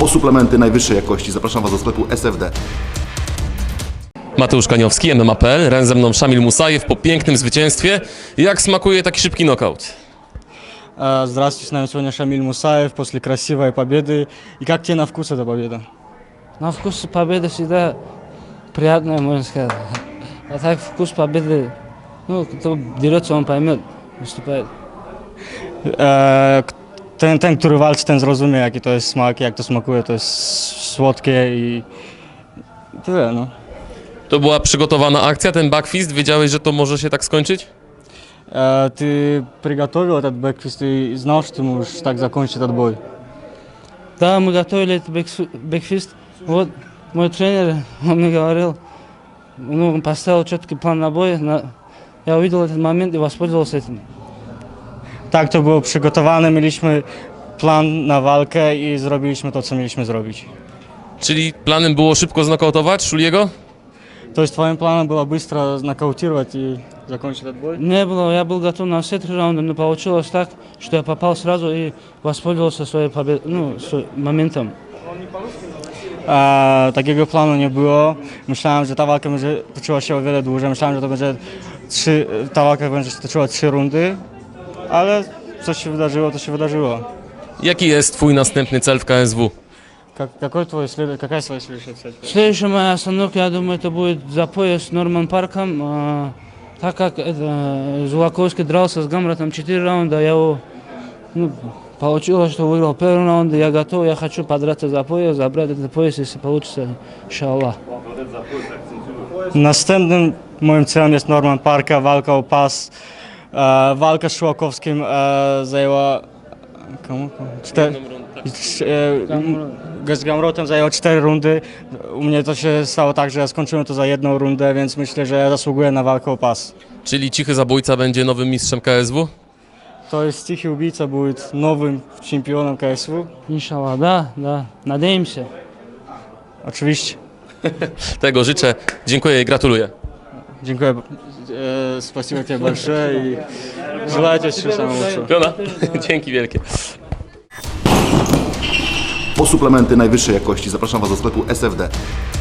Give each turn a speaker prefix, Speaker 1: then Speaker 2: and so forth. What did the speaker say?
Speaker 1: Po suplementy najwyższej jakości zapraszam Was do sklepu SFD.
Speaker 2: Mateusz Kaniowski, MMA.pl, razem ze mną Szamil Musajew po pięknym zwycięstwie. Jak smakuje taki szybki knockout?
Speaker 3: Здравствуйте, с нами сегодня Шамиль Мусаев после красивой победы. И как тебе на вкус эта победа?
Speaker 4: На вкус победы всегда приятная, можно сказать. А так вкус победы, ну, кто дерется, он поймет, выступает.
Speaker 3: Ten, który walczy, ten zrozumie, jaki to jest smak, jak to smakuje. To jest słodkie i tyle, no.
Speaker 2: To była przygotowana akcja, ten backfist? Wiedziałeś, że to może się tak skończyć?
Speaker 3: Ты приготовил этот бэкфист и знал, что ты можешь так закончить этот бой?
Speaker 4: Да, мы готовили этот бэкфист. Вот мой тренер, он мне говорил, ну, он поставил четкий план на бой. Я увидел этот момент и воспользовался этим.
Speaker 3: Tak, to było przygotowane, mieliśmy plan na walkę i zrobiliśmy to, co mieliśmy zrobić.
Speaker 2: Czyli planem było szybko znokautować Szuliego?
Speaker 3: То есть твоим планом было быстро нокаутировать и закончить этот бой?
Speaker 4: Не было, я был готов на все 3 раунда, но получилось так, что я попал сразу и воспользовался своей победой, ну, моментом.
Speaker 3: Takiego planu nie było. Myślałem, że ta walka będzie toczyła się o wiele dłużej. Myślałem, że to będzie ta walka będzie się toczyła 3 rundy, ale co się wydarzyło, to się wydarzyło.
Speaker 2: Jaki jest Twój następny cel w KSW?
Speaker 3: Какая твоя следующая цель?
Speaker 4: Следующая моя остановка, я думаю, это будет за пояс с Норман Парком. Так как Зулаковский дрался с Гамратом 4 раунда, я его, получилось, что выиграл первый раунд, я готов, я хочу подраться за пояс, забрать этот пояс, если получится, иншаллах.
Speaker 3: Następnym moim celem jest Norman Parka, walka o pas. Walka z Szułakowskim zajęła... Z Gamrotem zajęło 4 rundy. U mnie to się stało tak, że ja skończyłem to za 1 rundę, więc myślę, że ja zasługuję na walkę o pas.
Speaker 2: Czyli Cichy Zabójca będzie nowym mistrzem KSW?
Speaker 3: To jest Cichy Убийца, будет новым чемпионом КСВ.
Speaker 4: Иншаллах, да, надеемся.
Speaker 3: Oczywiście.
Speaker 2: Tego życzę. Dziękuję i gratuluję.
Speaker 3: Dziękuję. Спасибо тебе большое и желаю тебе всего самого лучшего.
Speaker 2: Piona? Dzięki wielkie.
Speaker 1: Po suplementy najwyższej jakości zapraszam Was do sklepu SFD.